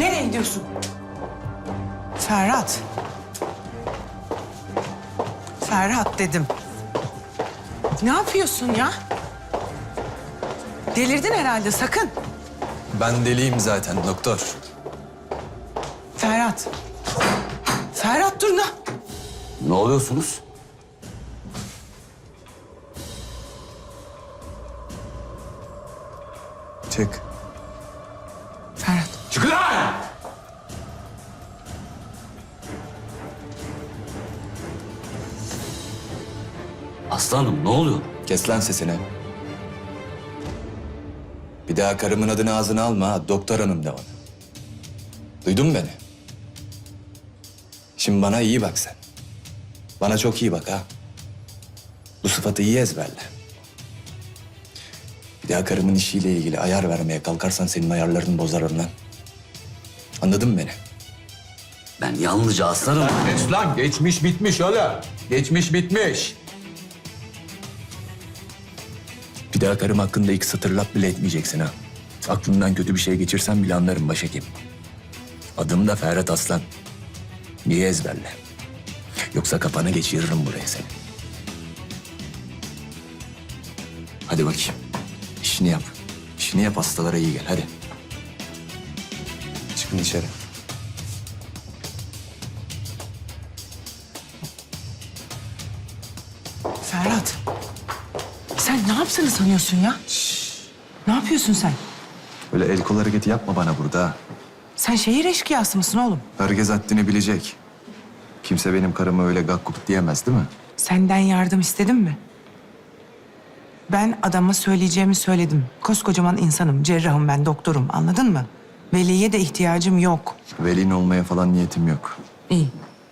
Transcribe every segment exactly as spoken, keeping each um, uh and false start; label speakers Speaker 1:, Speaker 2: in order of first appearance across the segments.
Speaker 1: Nereye gidiyorsun? Ferhat. Ferhat dedim. Ne yapıyorsun ya? Delirdin herhalde, sakın.
Speaker 2: Ben deliyim zaten doktor.
Speaker 1: Ferhat. Ferhat dur ne?
Speaker 3: Ne oluyorsunuz?
Speaker 2: Çık.
Speaker 1: Ferhat.
Speaker 3: Çıkın lan! Aslanım ne oluyor?
Speaker 2: Kes lan sesini. Bir daha karımın adını ağzına alma ha. Doktor hanım de bana. Duydun mu beni? Şimdi bana iyi bak sen. Bana çok iyi bak ha. Bu sıfatı iyi ezberle. Bir daha karımın işiyle ilgili ayar vermeye kalkarsan senin ayarlarını bozarım lan. Anladın mı beni?
Speaker 3: Ben yalnızca aslanım.
Speaker 2: Geç lan. Geçmiş bitmiş oğlum. Geçmiş bitmiş. Bir daha karım hakkında iki satır laf bile etmeyeceksin ha. Aklından kötü bir şey geçirsen bile anlarım başhekim. Adım da Ferhat Aslan. Niye ezberle? Yoksa kafanı geçiririm buraya seni. Hadi bakayım. İşini yap. İşini yap, hastalara iyi gel hadi. Çıkın içeri.
Speaker 1: Ferhat. Sen ne yaptığını sanıyorsun ya? Ne yapıyorsun sen?
Speaker 2: Öyle el kol hareketi yapma bana burada ha.
Speaker 1: Sen şehir eşkıyası mısın oğlum?
Speaker 2: Herkes haddini bilecek. Kimse benim karıma öyle gakkuk diyemez değil mi?
Speaker 1: Senden yardım istedim mi? Ben adama söyleyeceğimi söyledim. Koskocaman insanım, cerrahım ben, doktorum. Anladın mı? Veliye de ihtiyacım yok.
Speaker 2: Velin olmaya falan niyetim yok.
Speaker 1: İyi.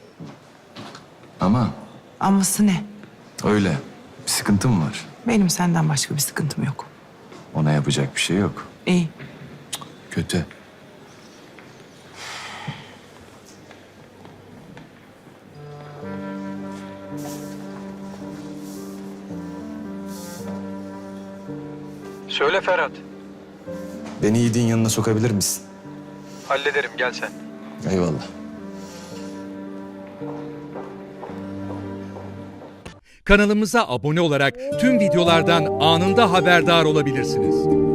Speaker 2: Ama
Speaker 1: Aması ne?
Speaker 2: öyle. Bir sıkıntım var.
Speaker 1: Benim senden başka bir sıkıntım yok.
Speaker 2: Ona yapacak bir şey yok.
Speaker 1: İyi.
Speaker 2: Kötü.
Speaker 4: Söyle Ferhat.
Speaker 2: Beni Yiğit'in yanına sokabilir misin?
Speaker 4: Hallederim, gel sen.
Speaker 2: Eyvallah.
Speaker 5: Kanalımıza abone olarak tüm videolardan anında haberdar olabilirsiniz.